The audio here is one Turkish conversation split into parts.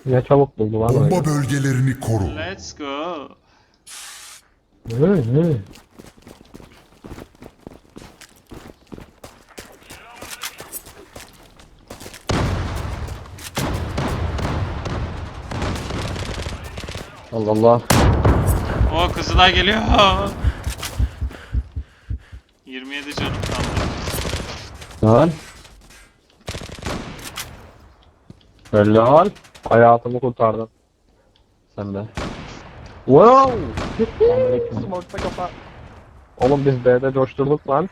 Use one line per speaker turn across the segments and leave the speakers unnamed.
Ne çabuk buldu lan
Bomba
öyle.
bölgelerini koru.
Let's go.
Ne?
Allah Allah.
O Kızılay geliyor. 27 canım kaldı.
Lan. Helal.
Hayatımı kurtardın.
Sen de. Wow.
Aleyküm.
Smoke'ta kafa.
Oğlum biz B'de coşturduk lan.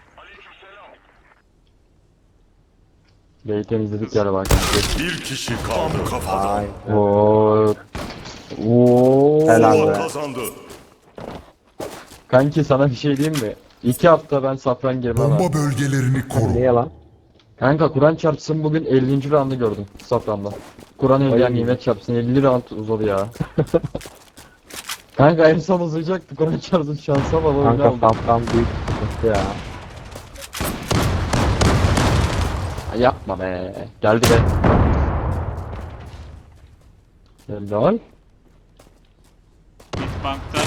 B'yi temizledik galiba bak.
Bir kişi kaldı. Kafadan.
Ay.
Oo. Oo.
Helal
Zula
be.
kazandı.
Kanki sana bir şey diyeyim mi? 2 hafta ben safran girmem ha.
Bomba bölgelerini koru.
Niye lan?
Kanka Kur'an çarpsın bugün 50. roundu gördüm safranda. Kur'an evliya
Ay.
nimet çarpsın 50 round uzadı ya. Kanka en son uzayacaktı Kur'an çarpsın şansa baba öyle
Kanka
oldu.
safran büyük sıkıntı ya.
Ay, yapma be. Geldi be. Helal.
Bitbank'ta.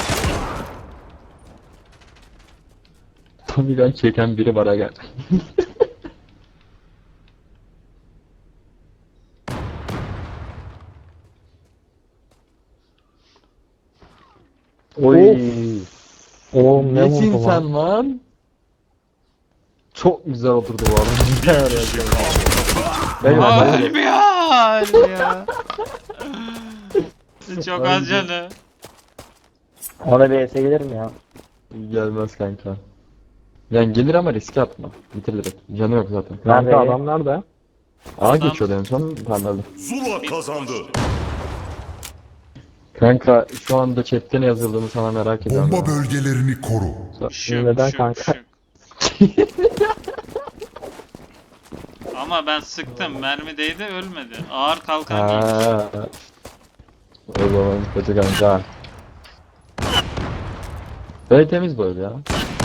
Tami'den çeken biri bana gel.
Oy. Oğlum ne
Nesin
vurdu lan?
sen lan? Çok güzel oturdu bu arada. Eyvallah.
Aa,
eyvallah.
ölmüyor. Çok az canı.
Ona BS gelir mi ya?
Gelmez kanka. Yani gelir ama riske atma. Bitir direkt. Canı yok zaten.
Nerede adam nerede?
A geçiyordu en son parladı.
Zula kazandı.
Kanka şu anda chatte ne yazıldığını sana merak ediyorum.
Bomba
ya.
bölgelerini koru.
Şık,
Neden
şık,
kanka?
şık. Ama ben sıktım. Mermi değdi ölmedi. Ağır kalkan giymiş.
Ha. O zaman kötü kanka. Böyle temiz böyle ya.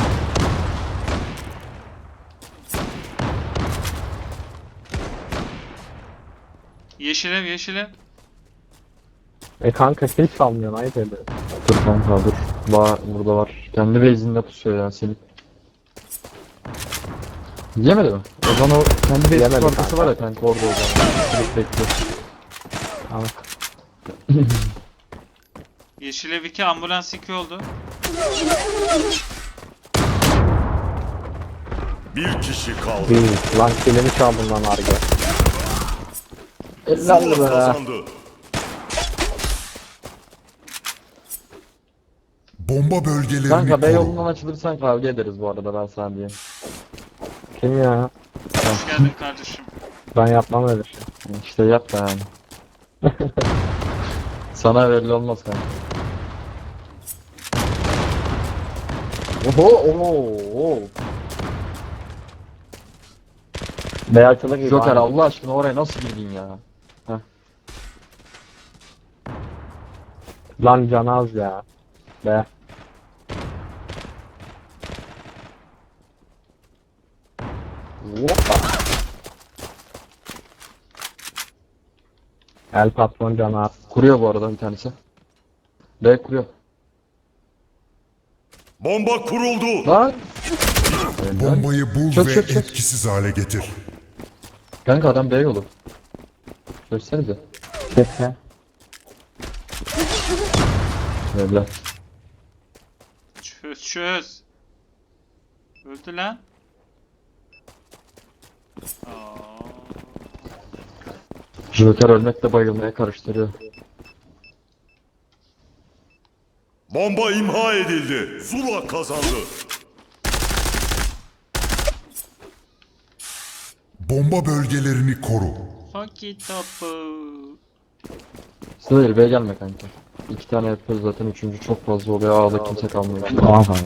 Yeşil ev yeşil ev.
Kanka hiç salmıyorsun ayıp ediyor.
Dur kanka dur. Burada var. Kendi base'inde pusuyor ya seni. Yemedi mi? O zaman o kendi base
Yemedi
arkası
kanka.
var ya kanka orada o zaman. Direkt bekliyor.
Tamam.
Yeşil ev 2 ambulans 2 oldu.
Bir kişi kaldı.
Değil. Lan kilimi çaldın lan Arge.
Helal
Zula
be.
kazandı. Bomba bölgelerini
Kanka B
koru.
yolundan açılırsan kavga ederiz bu arada ben sana diyeyim.
Kim ya?
Hoş geldin kardeşim.
Ben yapmam öyle şey.
İşte yap da yani. Sana belli olmaz kanka. Oho oho.
Beyazçılık gibi.
Joker
aynen.
Allah aşkına oraya nasıl girdin ya?
Lan can az ya. Be.
Hoppa.
El patron can az.
Kuruyor bu arada bir tanesi. B kuruyor.
Bomba kuruldu.
Lan.
Bombayı bul
Çök,
ve
çök, çök.
etkisiz hale getir.
Kanka adam B yolu. Görsenize.
Kesin.
Öyle.
Çöz çöz. Öldü lan. Aa,
Joker ölmekle bayılmaya karıştırıyor.
Bomba imha edildi. Zula kazandı. Bomba bölgelerini koru.
hockey topu.
Sıra B gelme kanka. 2 tane yapıyoruz zaten, üçüncü çok fazla oluyor. A'da kimse kalmıyor.
Tamam kanka.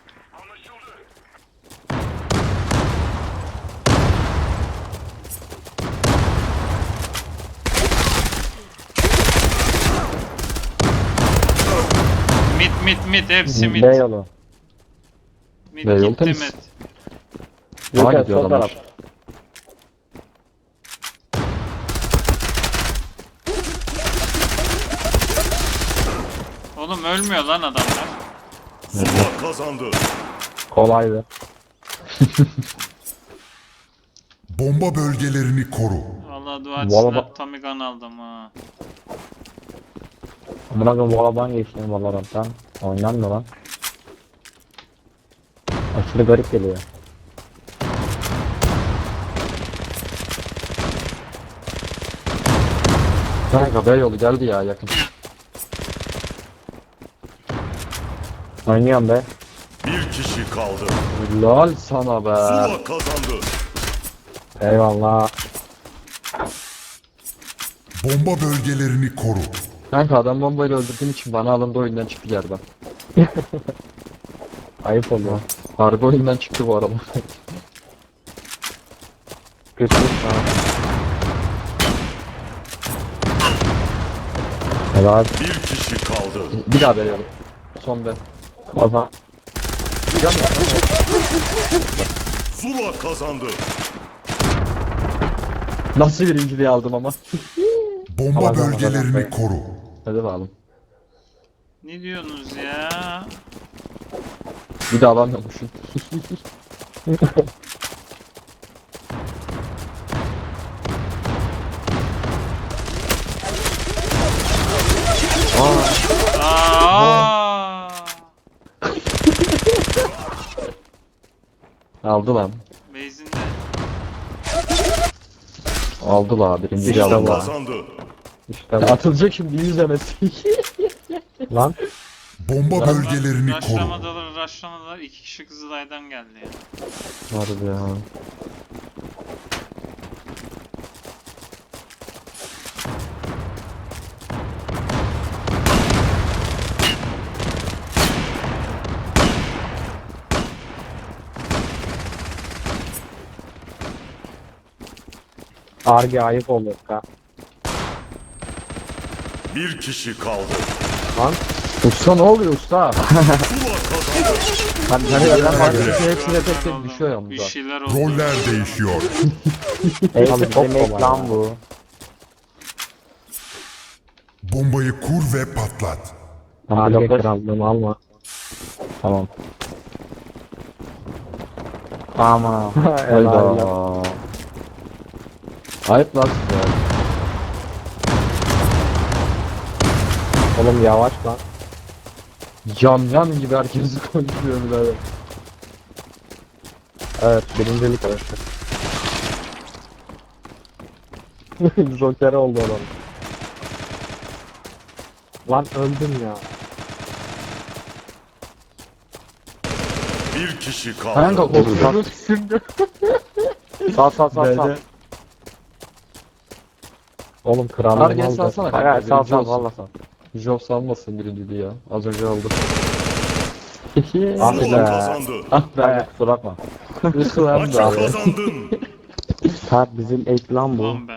Mid hepsi mid.
B yolu.
Mid
B yol
gitti
temiz.
mid.
A
Joker
gidiyor
sol
adamlar.
taraf.
Oğlum ölmüyor lan adamlar.
Zula kazandı.
Kolaydı.
Bomba bölgelerini koru.
Vallahi dua
Valla
etsinler
bak-
Tommy Gun aldım ha.
Amına koyayım Valorant'tan geçtim Valorant'tan. Oynanmıyor lan. Aşırı garip geliyor.
Kanka B yolu geldi ya yakın.
Oynuyorum be.
Bir kişi kaldı.
Lol sana be.
Zula kazandı.
Eyvallah.
Bomba bölgelerini koru.
Kanka adam bombayla öldürdüğün için bana alındı oyundan çıktı yerden.
Ayıp oluyor.
Harbi oyundan çıktı bu arada.
Kötü. Helal.
Bir kişi kaldı.
Bir daha B yolu. Son B.
O zaman
Zula kazandı.
Nasıl birinciliği aldım ama.
Bomba
Tamam,
bölgelerini
tamam.
koru.
Hadi bakalım.
Ne diyorsunuz ya?
Bir daha alamıyormuşum.
Aa!
Aldı lan.
Base'inde.
Aldı la birinciliği
İşte
aldı
bu.
Zula
la.
kazandı.
işte bu.
Atılacak şimdi izlemesi.
Lan.
Bomba bölgelerini koru.
Rushlamadılar. 2 kişi Kızılay'dan geldi ya.
Harbi ya.
Arge ayıp oluyor ka.
Bir kişi kaldı.
Lan.
Usta ne oluyor usta?
Zula kazandı.
Hani ben var hepsine tek tek düşüyor yalnız
Bir
ha.
şeyler oldu.
Roller değişiyor.
Abi demek lan bu.
Bombayı kur ve patlat.
Arge krallığımı alma. Tamam. Ama. Helal.
Hayda. Ayıp lan size.
Oğlum yavaş lan.
Yam gibi herkesi konuşuyor birader.
Evet birincilik arası. Joker oldu adam. Lan öldüm ya.
Bir kişi kaldı.
Kanka korkuyorum şimdi.
Sağ sağ sağ sağ.
B'de.
Oğlum krallığımı
Arge
aldı.
salsana kanka,
Hayır, sağ
birinci
sağ
olsun.
valla sağ.
Job salmasın birinciliği ya. Az önce aldı.
Ah
Zula
be.
kazandı.
Ah
Arge
be.
kusura bakma.
Isılan
Maçı
da abi.
kazandın.
Kart bizim ek lan bu.
Ulan be.